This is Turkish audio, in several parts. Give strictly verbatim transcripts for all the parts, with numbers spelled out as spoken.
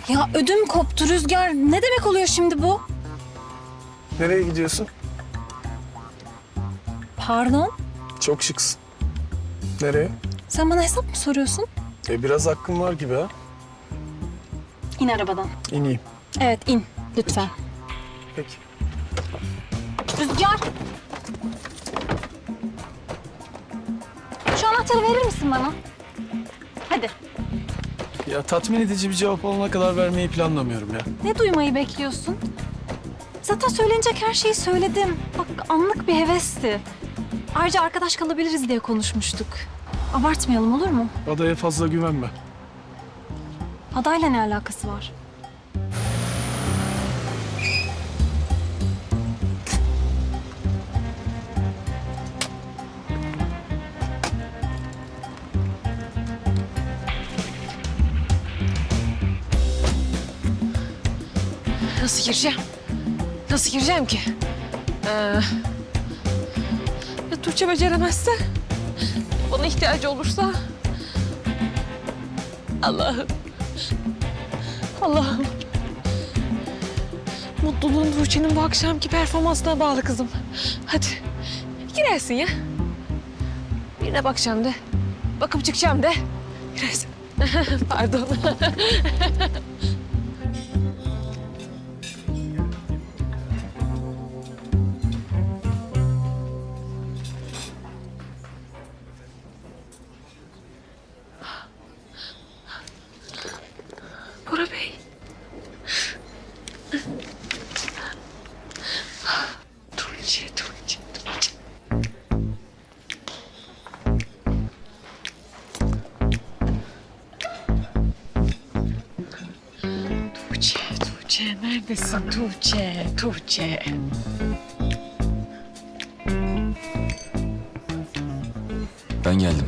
Ya ödüm koptu Rüzgar. Ne demek oluyor şimdi bu? Nereye gidiyorsun? Pardon? Çok şıksın. Nereye? Sen bana hesap mı soruyorsun? E biraz hakkım var gibi ha. İn arabadan. İneyim. Evet in lütfen. Peki. Rüzgar! Şu anahtarı verir misin bana? Hadi. Ya tatmin edici bir cevap olana kadar vermeyi planlamıyorum ya. Ne duymayı bekliyorsun? Zaten söylenecek her şeyi söyledim. Bak anlık bir hevesti. Ayrıca arkadaş kalabiliriz diye konuşmuştuk. Abartmayalım olur mu? Adaya fazla güvenme. Adayla ne alakası var? Nasıl gireceğim? Nasıl gireceğim ki? Ee, ya Tuğçe beceremezse? Bana ihtiyacı olursa? Allah'ım. Allah'ım. Mutluluğun Tuğçe'nin bu akşamki performansına bağlı kızım. Hadi girersin ya. Birine bakacağım de. Bakıp çıkacağım de. Girersin. Pardon. Bora Bey. Tuğçe, Tuğçe, Tuğçe. Tuğçe, Tuğçe, neredesin Tuğçe, Tuğçe? Ben geldim.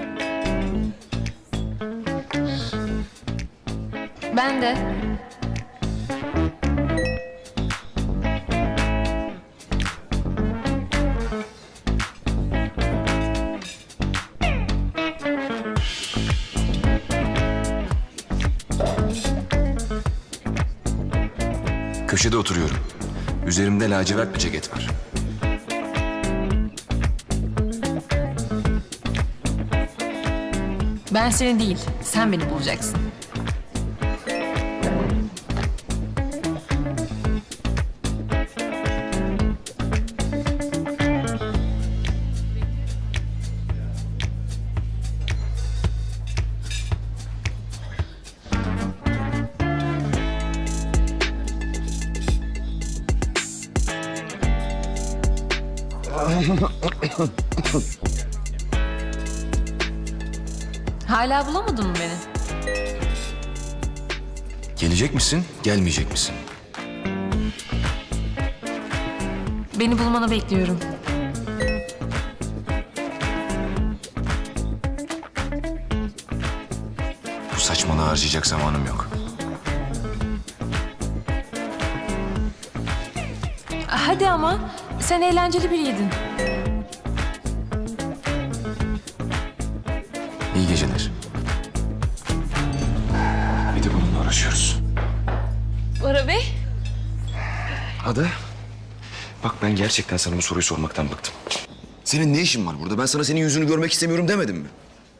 Ben de. Köşede oturuyorum. Üzerimde lacivert bir ceket var. Ben seni değil, sen beni bulacaksın. Hala bulamadın mı beni? Gelecek misin, gelmeyecek misin? Beni bulmanı bekliyorum. Bu saçmalığı harcayacak zamanım yok. Hadi ama, sen eğlenceli biriydin. İyi geceler. Bir de bununla uğraşıyoruz. Bora Bey. Ada, bak ben gerçekten sana bu soruyu sormaktan bıktım. Senin ne işin var burada? Ben sana senin yüzünü görmek istemiyorum demedim mi?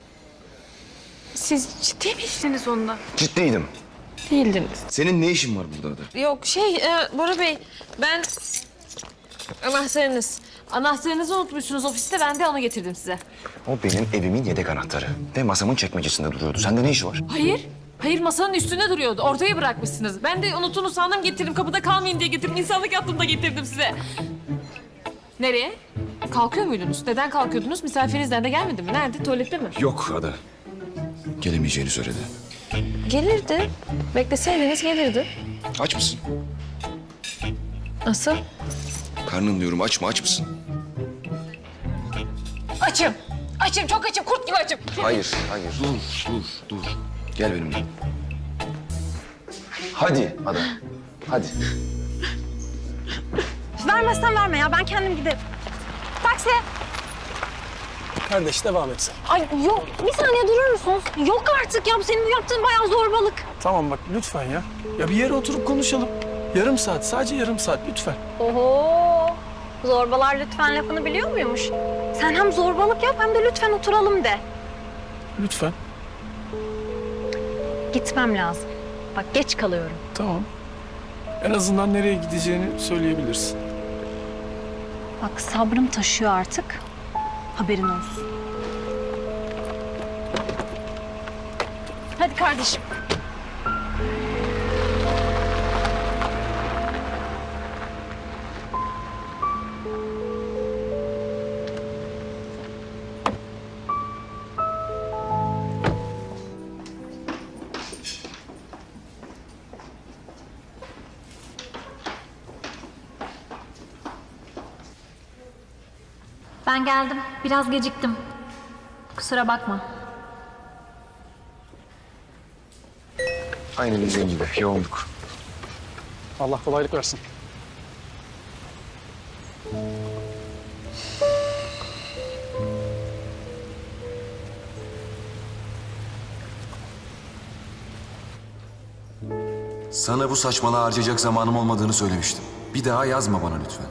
Siz ciddi miydiniz onunla? Ciddiydim. Değildiniz. Senin ne işin var burada Ada? Yok şey, e, Bora Bey, ben... Anahtarınız. Anahtarınızı unutmuşsunuz ofiste, ben de onu getirdim size. O benim evimin yedek anahtarı. Ve masamın çekmecesinde duruyordu. Sende ne işi var? Hayır. Hayır, masanın üstünde duruyordu. Ortaya bırakmışsınız. Ben de unuttuğunu sandım, getirdim. Kapıda kalmayın diye getirdim. İnsanlık yaptım da getirdim size. Nereye? Kalkıyor muydunuz? Neden kalkıyordunuz? Misafirinizden de gelmedi mi? Nerede? Tuvalette mi? Yok Ada. Gelemeyeceğini söyledi. Gelirdi. Bekleseydiniz gelirdi. Aç mısın? Nasıl? Karnın diyorum, aç mı, aç mısın? Açım. Açım, çok açım. Kurt gibi açım. Hayır, hayır. Dur, dur, dur. Gel benimle. Hadi Ada, hadi. Vermezsen verme ya ben kendim giderim. Taksi! Kardeş devam et sen. Ay yok, bir saniye durur musunuz? Yok artık ya, senin bu yaptığın bayağı zorbalık. Tamam bak lütfen ya. Ya bir yere oturup konuşalım. Yarım saat, sadece yarım saat lütfen. Oho, zorbalar lütfen lafını biliyor muymuş? Sen hem zorbalık yap hem de lütfen oturalım de. Lütfen. Gitmem lazım. Bak geç kalıyorum. Tamam. En azından nereye gideceğini söyleyebilirsin. Bak sabrım taşıyor artık. Haberin olsun. Hadi kardeşim. Ben geldim. Biraz geciktim. Kusura bakma. Aynen bizim gibi yoğunluk. Allah kolaylık versin. Sana bu saçmalığı harcayacak zamanım olmadığını söylemiştim. Bir daha yazma bana lütfen.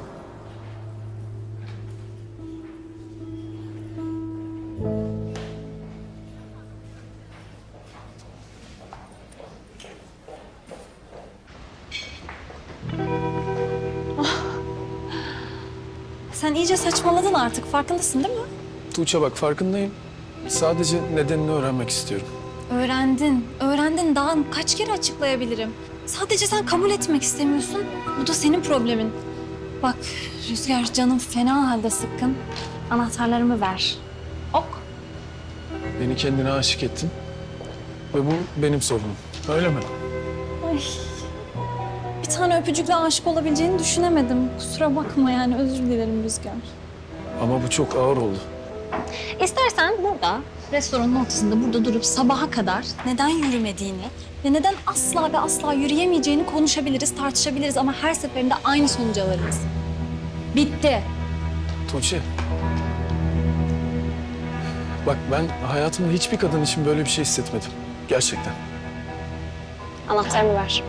Sen iyice saçmaladın artık. Farkındasın değil mi? Tuğçe bak farkındayım. Sadece nedenini öğrenmek istiyorum. Öğrendin. Öğrendin. Daha kaç kere açıklayabilirim? Sadece sen kabul etmek istemiyorsun. Bu da senin problemin. Bak Rüzgar, canım fena halde sıkkın. Anahtarlarımı ver. Ok. Beni kendine aşık ettin. Ve bu benim sorunum. Öyle mi? Ay. Bir tane öpücükle aşık olabileceğini düşünemedim. Kusura bakma yani, özür dilerim Rüzgar. Ama bu çok ağır oldu. İstersen burada, restoranın ortasında burada durup sabaha kadar neden yürümediğini ve neden asla ve asla yürüyemeyeceğini konuşabiliriz, tartışabiliriz ama her seferinde aynı sonuca varırız. Bitti. Tuğçe. Bak ben hayatımda hiçbir kadın için böyle bir şey hissetmedim. Gerçekten. Anahtarımı ver.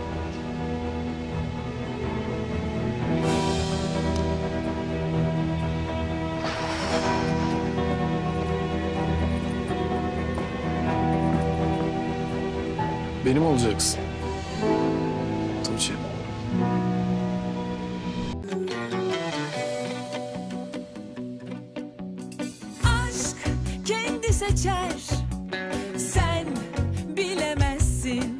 Benim olacaksın. Tuğçe. Aşk kendi seçer